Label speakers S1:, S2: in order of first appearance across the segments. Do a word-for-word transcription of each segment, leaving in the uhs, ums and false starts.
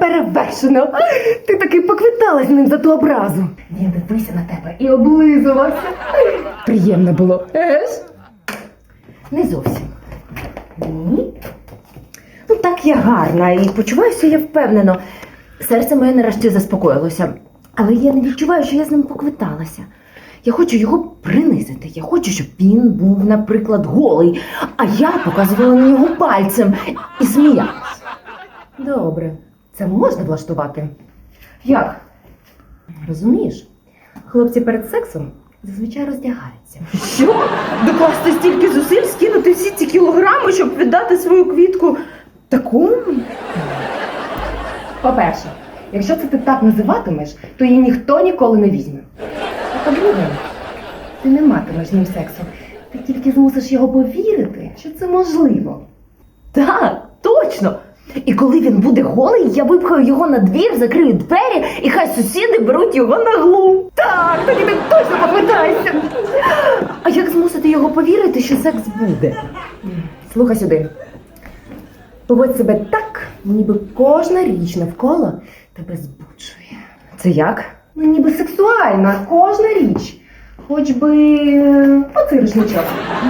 S1: неперевершено. Ти таки поквиталась з ним за ту образу. Він дивився на тебе і облизувався. Приємно було, еж? Не зовсім. Ні? Ну так я гарна і почуваюся я впевнено. Серце моє нарешті заспокоїлося. Але я не відчуваю, що я з ним поквиталася. Я хочу його принизити. Я хочу, щоб він був, наприклад, голий, а я показувала на нього пальцем і сміялась. Добре, це можна влаштувати? Як? Розумієш, хлопці перед сексом зазвичай роздягаються. Що? Докласти стільки зусиль, скинути всі ці кілограми, щоб віддати свою квітку такому? По-перше, якщо це ти так називатимеш, то її ніхто ніколи не візьме. А по-друге, ти не матимеш з ним сексу. Ти тільки змусиш його повірити, що це можливо. Так, точно! І коли він буде голий, я випхаю його на двір, закрию двері, і хай сусіди беруть його на глум. Так, тоді ти точно поквитаєшся. А як змусити його повірити, що секс буде? Слухай сюди. Поводь себе так, ніби кожна річ навколо тебе збуджує. Це як? Ну, ніби сексуальна кожна річ. Хоч би поциришничок.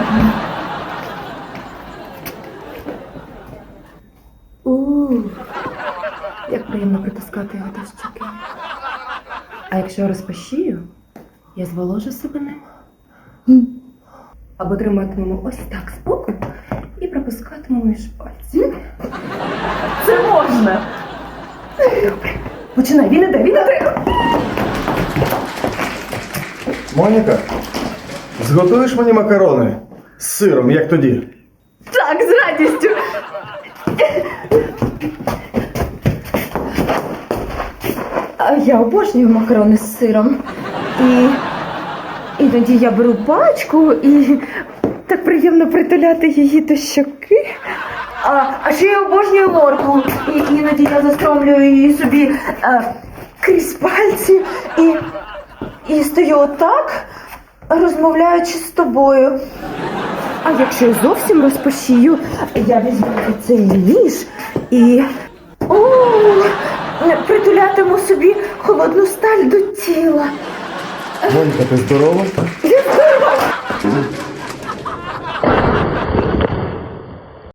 S1: Ух, як приємно притискати його до щоки. А якщо розпашію, я зволожу себе ним. Або триматимемо ось так збоку і пропускатимемо між пальців. Це можна! Добре, починай, він іде, він іде!
S2: Моніка, зготуєш мені макарони з сиром, як тоді?
S1: Так, з радістю! А я обожнюю макарони з сиром. І іноді я беру пачку і так приємно притуляти її до щоки. А, а ще я обожнюю моркву. І іноді я застромлюю її собі а, крізь пальці і, і стою отак, розмовляючи з тобою. А якщо я зовсім розпашію, я візьму цей ніж і о, притулятиму собі холодну сталь до тіла.
S2: Моніка, ти здорова?
S1: Я здорова!